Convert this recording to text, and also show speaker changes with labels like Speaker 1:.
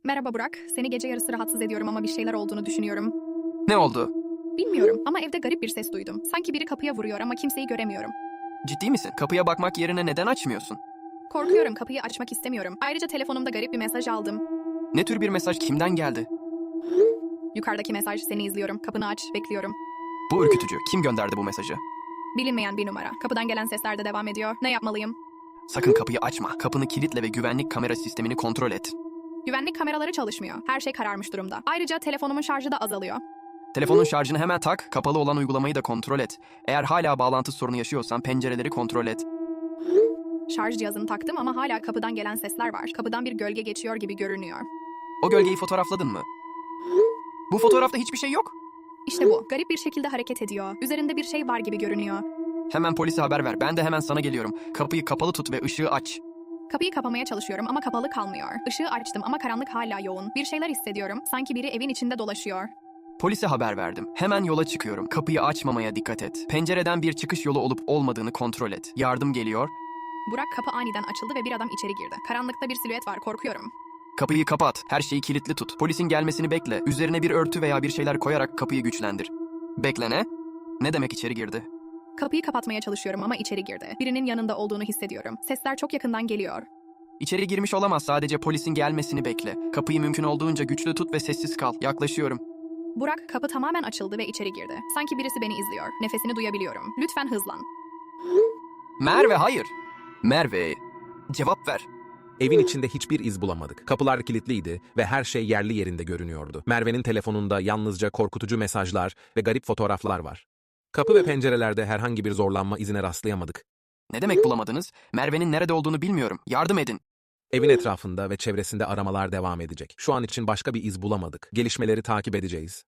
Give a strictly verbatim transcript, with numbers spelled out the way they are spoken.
Speaker 1: Merhaba Burak. Seni gece yarısı rahatsız ediyorum ama bir şeyler olduğunu düşünüyorum.
Speaker 2: Ne oldu?
Speaker 1: Bilmiyorum ama evde garip bir ses duydum. Sanki biri kapıya vuruyor ama kimseyi göremiyorum.
Speaker 2: Ciddi misin? Kapıya bakmak yerine neden açmıyorsun?
Speaker 1: Korkuyorum, kapıyı açmak istemiyorum. Ayrıca telefonumda garip bir mesaj aldım.
Speaker 2: Ne tür bir mesaj kimden geldi?
Speaker 1: Yukarıdaki mesaj, seni izliyorum. Kapını aç, bekliyorum.
Speaker 2: Bu ürkütücü. Kim gönderdi bu mesajı?
Speaker 1: Bilinmeyen bir numara. Kapıdan gelen sesler de devam ediyor. Ne yapmalıyım?
Speaker 2: Sakın kapıyı açma. Kapını kilitle ve güvenlik kamera sistemini kontrol et.
Speaker 1: Güvenlik kameraları çalışmıyor. Her şey kararmış durumda. Ayrıca telefonumun şarjı da azalıyor.
Speaker 2: Telefonun şarjını hemen tak, kapalı olan uygulamayı da kontrol et. Eğer hala bağlantı sorunu yaşıyorsan pencereleri kontrol et.
Speaker 1: Şarj cihazını taktım ama hala kapıdan gelen sesler var. Kapıdan bir gölge geçiyor gibi görünüyor.
Speaker 2: O gölgeyi fotoğrafladın mı? Bu fotoğrafta hiçbir şey yok.
Speaker 1: İşte bu. Garip bir şekilde hareket ediyor. Üzerinde bir şey var gibi görünüyor.
Speaker 2: Hemen polise haber ver. Ben de hemen sana geliyorum. Kapıyı kapalı tut ve ışığı aç.
Speaker 1: Kapıyı kapamaya çalışıyorum ama kapalı kalmıyor. Işığı açtım ama karanlık hala yoğun. Bir şeyler hissediyorum. Sanki biri evin içinde dolaşıyor.
Speaker 2: Polise haber verdim. Hemen yola çıkıyorum. Kapıyı açmamaya dikkat et. Pencereden bir çıkış yolu olup olmadığını kontrol et. Yardım geliyor.
Speaker 1: Burak, kapı aniden açıldı ve bir adam içeri girdi. Karanlıkta bir silüet var, korkuyorum.
Speaker 2: Kapıyı kapat. Her şeyi kilitli tut. Polisin gelmesini bekle. Üzerine bir örtü veya bir şeyler koyarak kapıyı güçlendir. Bekle ne? Ne demek içeri girdi?
Speaker 1: Kapıyı kapatmaya çalışıyorum ama içeri girdi. Birinin yanında olduğunu hissediyorum. Sesler çok yakından geliyor.
Speaker 2: İçeri girmiş olamaz. Sadece polisin gelmesini bekle. Kapıyı mümkün olduğunca güçlü tut ve sessiz kal. Yaklaşıyorum.
Speaker 1: Burak, kapı tamamen açıldı ve içeri girdi. Sanki birisi beni izliyor. Nefesini duyabiliyorum. Lütfen hızlan.
Speaker 2: Merve hayır. Merve. Cevap ver.
Speaker 3: Evin içinde hiçbir iz bulamadık. Kapılar kilitliydi ve her şey yerli yerinde görünüyordu. Merve'nin telefonunda yalnızca korkutucu mesajlar ve garip fotoğraflar var. Kapı ve pencerelerde herhangi bir zorlanma izine rastlayamadık.
Speaker 2: Ne demek bulamadınız? Merve'nin nerede olduğunu bilmiyorum. Yardım edin.
Speaker 3: Evin etrafında ve çevresinde aramalar devam edecek. Şu an için başka bir iz bulamadık. Gelişmeleri takip edeceğiz.